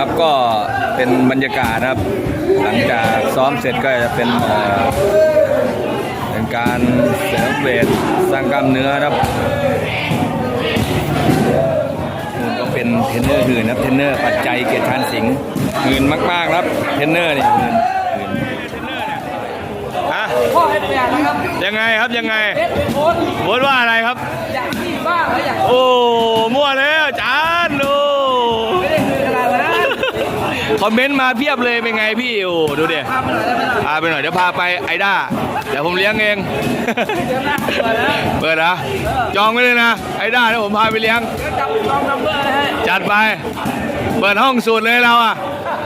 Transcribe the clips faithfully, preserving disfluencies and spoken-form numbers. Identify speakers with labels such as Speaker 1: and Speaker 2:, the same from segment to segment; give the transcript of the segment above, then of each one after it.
Speaker 1: ครับก็เป็นบรรยากาศนะครับหลังจากซ้อมเสร็จก็จะเป็นเป็นการเสริมเวทสร้างกล้ามเนื้อครับก็เป็นเทรนเนอร์หื่นครับเทรนเนอร์ปัจจัยเกียรติชาญสิงห์หื่นมากๆครับเทรนเนอร์นี่หื่นฮะ
Speaker 2: พ่อให้เปลี่ยนนะครับ
Speaker 1: ยังไงครับยังไง
Speaker 2: เอ็ดเป็นโค้ด
Speaker 1: โค้ดว่าอะไรครับ
Speaker 2: อยากที่บ้างแล้วอยาก
Speaker 1: โอ้มั่วแล้วจานโอ้
Speaker 2: ไม่ได้คือขนาดนั้น
Speaker 1: คอมเมนต์มาเพียบเลยเป็นไงพี่โอ้ดูดิ
Speaker 2: พาไปหน่อยได้ไหมล่ะ
Speaker 1: พาไปหน่อยเดี๋ยวพาไปไอด้าเดี๋ยวผมเลี้ยงเองเปิดนะจองไว้เลยนะไอด้าเดี๋ยวผมพาไปเลี้ยง
Speaker 2: จับลองนัมเบอร์เลย
Speaker 1: จัดไปเปิดห้องสูตรเลยเราอ่ะ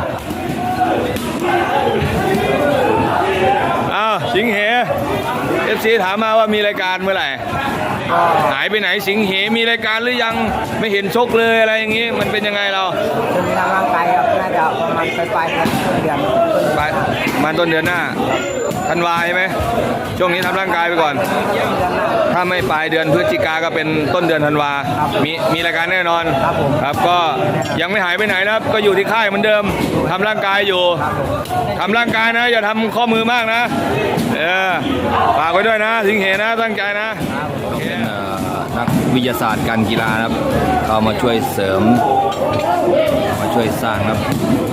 Speaker 1: อ้าวสิงเหเอฟซีถามมาว่ามีรายการเมื่อไหร่หายไปไหนสิงเหมีรายการหรือยังไม่เห็นชกเลยอะไรอย่างงี้มันเป็นยังไงเรา
Speaker 2: จะมีทางร่างกายครับน่าจะประมาณปลายปลายเดือน
Speaker 1: ปลายมาต้นเดือนหน้าธันวาใช่ไหมช่วงนี้ทำร่างกายไปก่อนถ้าไม่ปลายเดือนพฤศจิกาก็เป็นต้นเดือนธันวามีมีรายการแน่นอนครับก็ยังไม่หายไปไหนนะครับก็อยู่ที่ค่ายเหมือนเดิมทำร่างกายอยู่ทำร่างกายนะอย่าทำข้อมือมากนะเออฝากไว้ด้วยนะสิงเหนะตั้งใจนะนักวิทยาศาสตร์การกีฬาครับเขามาช่วยเสริมมาช่วยสร้างครับ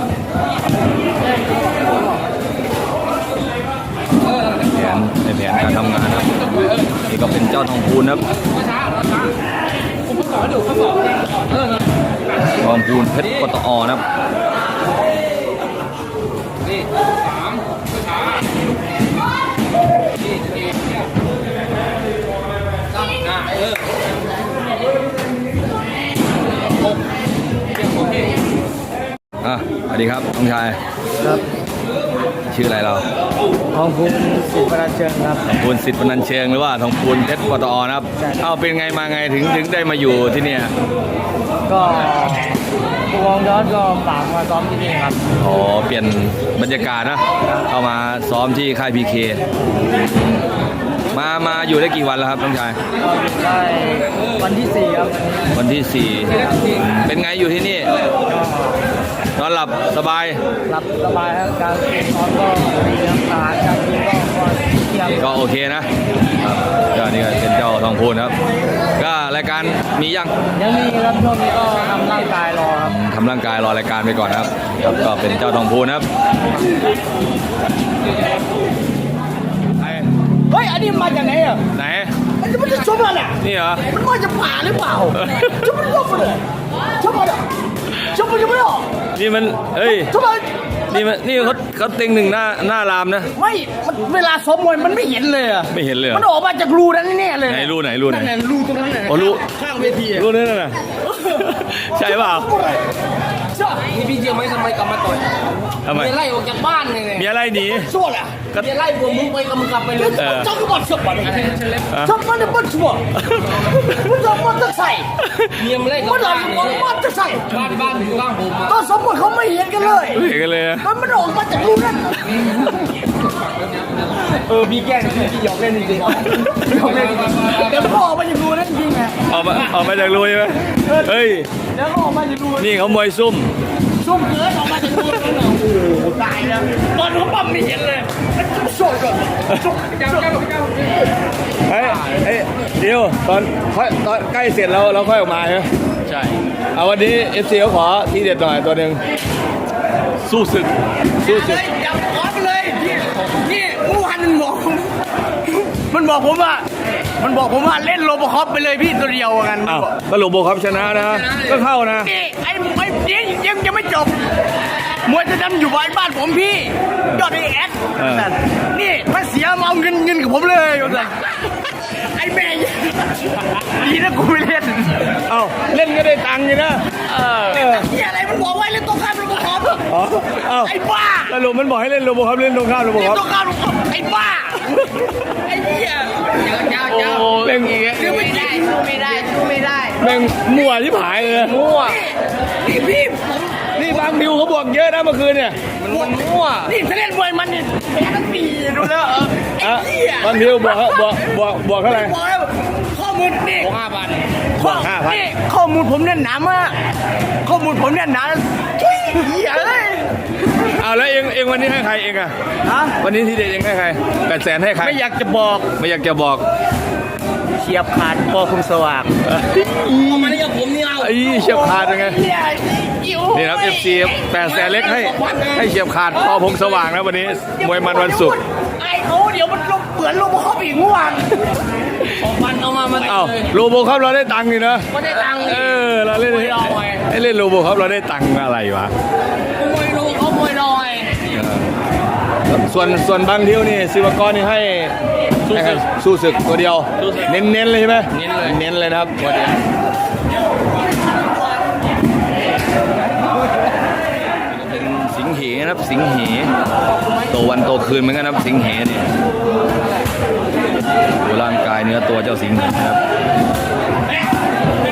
Speaker 1: แผนในแผนการทำงานครับนี่ก็เป็นเจ้าทองพูนครับทองพูนเพชรปตอนะครับอ่ะสวัสดีครับน้องชาย
Speaker 2: ครับ
Speaker 1: ชื่ออะไรเรา
Speaker 2: ทองพูนสิทธิ์พนันเชิงครับ
Speaker 1: ทองพูนสิทธิ์พนันเชิงหรือว่าทองพูนเพชรปตอนะครับเอ้าเป็นไงมาไงถึงถึงได้มาอยู่ที่เนี่ย
Speaker 2: ก็ผู้กองยอดก็ฝากมาซ้อมที่นี่ครับ
Speaker 1: อ๋อเปลี่ยนบรรยากาศนะเข้ามาซ้อมที่ค่ายพีเคมามาอยู่ได้กี่วันแล้วครับน้องชาย
Speaker 2: ได้วันที่สี่ครับ
Speaker 1: วันที่สี่เป็นไงอยู่ที่นี่นอนหลับสบาย
Speaker 2: หลับสบายครับการนอนก็ดีครับอาหารการกินก็เที่ยง
Speaker 1: ก็โอเคนะก็นี่ก็เป็นเจ้าทองพูนครับก็รายการมียัง
Speaker 2: ยังมีครับช่วงนี้ก็ทำร่างกายรอครับ
Speaker 1: ทำร่างกายรอรายการไปก่อนครับก็เป็นเจ้าทองพูนครับ
Speaker 2: เฮ้ยอันนี้มาจากไหนอ่ะ
Speaker 1: ไหน
Speaker 2: มันจะมันจะชมอะไร
Speaker 1: นี่เหรอ
Speaker 2: มันมาจากป่าหรือเปล่าชมมันชมเลยชมอะไรชมมันจะไม่ออก
Speaker 1: นี่มันเฮ้ยชมอะไรนี่มันนี่เขาเขาเต็งหนึ่งหน้าหน้ารามนะ
Speaker 2: ไม่เวลาซ้อมมวยมันไม่เห็นเลยอ่ะ
Speaker 1: ไม่เห็นเลย
Speaker 2: มันออกมาจากรูนั้นแน่เลย
Speaker 1: ไหนรูไหนรูไหน
Speaker 2: รูตรงนั้นไหน
Speaker 1: โอ้รู
Speaker 2: ข้างเวที
Speaker 1: รูนั่นน่ะใช่เปล่า
Speaker 2: นี่พี่เจียวไม่ทำไมกลับมาต่อย
Speaker 1: ทำไม
Speaker 2: มีอะไรออกจากบ้านเลย
Speaker 1: มีอะไรหนี
Speaker 2: ชั่วแหละมีอะไรพวกมึงไปกับมึงกลับไปเลยเจ้าก็บอกชั่วเลยชอบมันเนี่ยมันชั่วมันจะมันจะใส่เยี่ยมเลยมันอะไรมันจะใส่บ้านบ้านอยู่บ้านผมก็สมมติเขาไม่เห็นกันเลย
Speaker 1: เห็นกันเลย
Speaker 2: มันมันออกมาจากรูนั้นเออพี่แกล้งพี่หยอกเล่นจริงๆหยอกเล่นแต่พ่อออกมาจากรูนั้นจริงไง
Speaker 1: ออกมาออกมาจากรูใช่ไหมเฮ้ย
Speaker 2: แล้วก็ออกมาจากรู
Speaker 1: นี่เขามวยซุ่ม
Speaker 2: ซุ่มเกินออกมาจากรูนั้นโอ้โหตายแล้วตอนเขาปั๊มไม่เห็นเลยมันจะโชว์ก่อนโชว์เจ้าเจ้าเจ้า
Speaker 1: เฮ้ยเฮ้ยเดี๋ยวตอนตอนใกล้เสร็จแล้วเราค่อยออกมาใช่ไหมใช่เอาวันนี้เอฟซีเขาขอที่เด็ดหน่อยตัวหนึ่งสู้ศึกสู้ศึก
Speaker 2: จับขอไปเลยนี่นี่ผู้พันมันบอกมันบอกผมว่ามันบอกผมว่าเล่นโรบอคอปไปเลยพี่ตัวเดียวกัน
Speaker 1: อ้าวก็โรบอคอปชนะนะก็เข้านะ
Speaker 2: นี่ไอ้ไอ้เดี๋ยวยังยังไม่จบมวยจะดันอยู่บ้านบ้านผมพี่ยอดไอเอสนี่ถ้าเสียมาเอาเงินเงินกับผมเลยไอ้แม่ดีนะกูไม่เล่น
Speaker 1: เอ้าเล่นก็ได้ตังค์อยู่นะ
Speaker 2: เออที่อะไรมันบอกว่าเล่นตรงข้ามโรบอคอปไอ้บ้า
Speaker 1: สรุปมันบอกให้เล่นโรบอคอปเล่นตรงข้ามโรบอคอป
Speaker 2: ตรงข้ามโรบอคอปไอ้บ้าไอ้เหี้ยเจ้าเจ้า
Speaker 1: เล่นอีก
Speaker 2: สู้ไม่ได้สู้ไม่ได้สู้ไม่ได้
Speaker 1: แม่งมั่วที่ผายเลย
Speaker 2: มั่วนี่พี่น
Speaker 1: นี่บางดิวเขาบวกเยอะนะเมื่อคืนเนี่ยมันมันมั่ว
Speaker 2: นี่ถ้าเล่นมวยมันนี่แพ้ทั้งปีดูแล้วเออไอ้
Speaker 1: อะ
Speaker 2: เหี้ย
Speaker 1: บางดิวบวกบวกบวกบวกเท่าไหร่
Speaker 2: บอกแล้วข้อมูลนี่
Speaker 3: ห้าพัน
Speaker 2: ข้อ
Speaker 1: ห้าพัน
Speaker 2: นี่ข้อมูลผมเนี่ยหนามากข้อมูลผมเนี่ยหนาทุยเหี้ยเลย
Speaker 1: เอาแล้วเองเองวันนี้ให้ใครเองอะ
Speaker 2: ฮะ
Speaker 1: วันนี้ที่เด็ดเองให้ใครแปดแสนให้ใคร
Speaker 2: ไม่อยากจะบอก
Speaker 1: ไม่อยากจะบอก
Speaker 2: เฉียบขาดพอคุมสว่าง
Speaker 3: เอามาเล่นกับผมนี่เรา
Speaker 1: ไอ้เฉียบขาดเป็นไง
Speaker 2: เหี้ยอิ๋ว
Speaker 1: นี่ครับ เอฟ ซี แปดแสนเล็กให้ให้เฉียบขาดพอพงสว่างนะวันนี้มวยมันวันศุกร์
Speaker 2: ไอ้เขาเดี๋ยวมันลงเปลือนลงมาเข้าไปอีกเมื่อวาน
Speaker 3: ของพันเอามามา
Speaker 1: เอ้าโลโบครับเราได้ตังค์นี่นะ
Speaker 3: ไม่ได้ตังค์
Speaker 1: เออเราเล่นให้เล่นโลโบครับเราได้ตังค์อะไรวะ
Speaker 3: มวยลงเขามวยลอย
Speaker 1: ส่วนส่วนบางเที่ยวนี่ศิวกรนี่ให้ให้ใครสู้ศึกตัวเดียว เน้นเน้นๆเลยใช่ไหมเน้นเลยเน้นเลยนะครับตัวเดียวเป็นสิงเหนะครับสิงเหโตวันโตคืนเหมือนกันนะครับสิงเหนี่ดูร่างกายเนื้อตัวเจ้าสิงเหนะครับ